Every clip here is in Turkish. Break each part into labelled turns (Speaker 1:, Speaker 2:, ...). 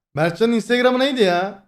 Speaker 1: Mertcan'ın Instagram'ı neydi ya?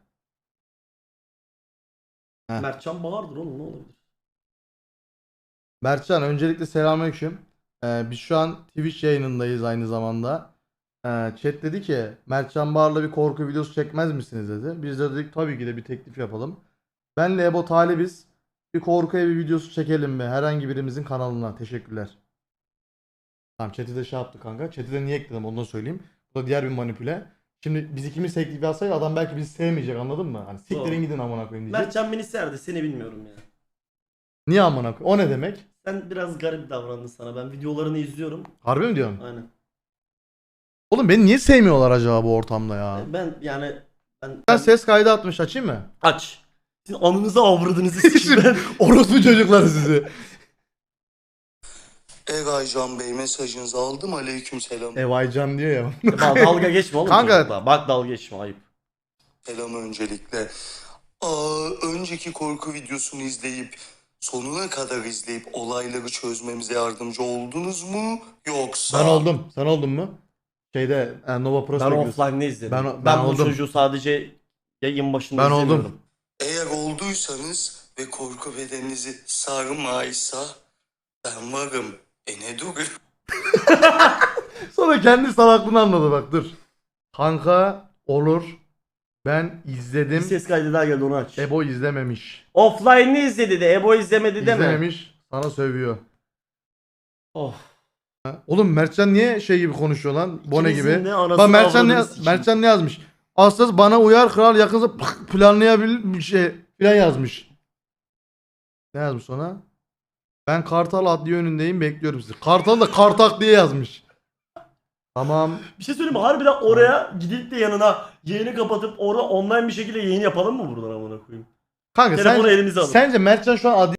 Speaker 1: Heh.
Speaker 2: Mertcan Bağır'dır oğlum, ne olabilir?
Speaker 1: Mertcan öncelikle selamünaleyküm. Biz şu an Twitch yayınındayız aynı zamanda. Chat dedi ki Mertcan Bağır'la bir korku videosu çekmez misiniz dedi. Biz de dedik tabii ki de bir teklif yapalım. Benle Ebo talibiz. Bir korku evi videosu çekelim mi? Herhangi birimizin kanalına. Teşekkürler. Tamam chat'i de şey yaptı kanka. Chat'i de niye ekledim onu da söyleyeyim. Bu da diğer bir manipüle. Şimdi biz ikimiz teklif yapsaydı adam belki bizi sevmeyecek anladın mı? Hani siktirin
Speaker 2: Doğru.
Speaker 1: gidin amına koyayım diyecek.
Speaker 2: Mertcan beni severdi, seni bilmiyorum ya.
Speaker 1: Niye amına koyayım? O ne demek?
Speaker 2: Sen biraz garip davrandın sana. Ben videolarını izliyorum.
Speaker 1: Harbi mi diyorsun?
Speaker 2: Aynen.
Speaker 1: Oğlum beni niye sevmiyorlar acaba bu ortamda ya?
Speaker 2: Ben yani
Speaker 1: Ben ses kaydı atmış açayım mı?
Speaker 2: aç. Sizin anınızı avradınızı sikeyim ben.
Speaker 1: Orospu çocuklar sizi.
Speaker 3: Eraycan Bey mesajınızı aldım. Aleykümselam.
Speaker 1: Evaycan diyor ya.
Speaker 2: Bak dalga geçme oğlum.
Speaker 1: Kanka-
Speaker 2: çocukla. Bak dalga geçme, ayıp.
Speaker 3: Selam öncelikle. Önceki korku videosunu izleyip sonuna kadar izleyip olayları çözmemize yardımcı oldunuz mu? Yoksa...
Speaker 1: Ben oldum. Sen oldun mu? Şeyde Nova
Speaker 2: Ben
Speaker 1: Prospectus.
Speaker 2: offline'de izledim.
Speaker 1: Ben
Speaker 2: Ben bu
Speaker 1: oldum.
Speaker 2: çocuğu sadece yayın başında
Speaker 1: Ben oldum.
Speaker 2: izlemiyorum.
Speaker 3: Eğer olduysanız ve korku bedeninizi sarmaysa ben varım. Ne dur?
Speaker 1: Sonra kendi salaklığını anladı bak dur. Kanka olur. Ben
Speaker 2: Bir
Speaker 1: izledim.
Speaker 2: ses kaydı daha geldi, onu aç.
Speaker 1: Ebo izlememiş.
Speaker 2: Offline'ı izledi de Ebo izlemedi deme.
Speaker 1: İzlememiş. Sana sövüyor.
Speaker 2: Of.
Speaker 1: Oğlum Mertcan niye şey gibi konuşuyor lan? Bone
Speaker 2: İkimizin
Speaker 1: gibi.
Speaker 2: de anasını
Speaker 1: Bak Mertcan
Speaker 2: avradını
Speaker 1: ne,
Speaker 2: sikeyim.
Speaker 1: Mertcan ne yazmış? Aslas bana uyar kral yakınsa planlayabilir bir şey falan yazmış. Ne yazmış ona? Ben Kartal adliye önündeyim bekliyorum sizi. Kartal da Kartak diye yazmış. Tamam.
Speaker 2: Bir şey söyleyeyim mi? Harbiden oraya gidip de yanına yayını kapatıp orada online bir şekilde yayın yapalım mı buradan amına koyayım?
Speaker 1: Kanka
Speaker 2: Telefonu elimize alıp.
Speaker 1: sence Mertcan şu an adliye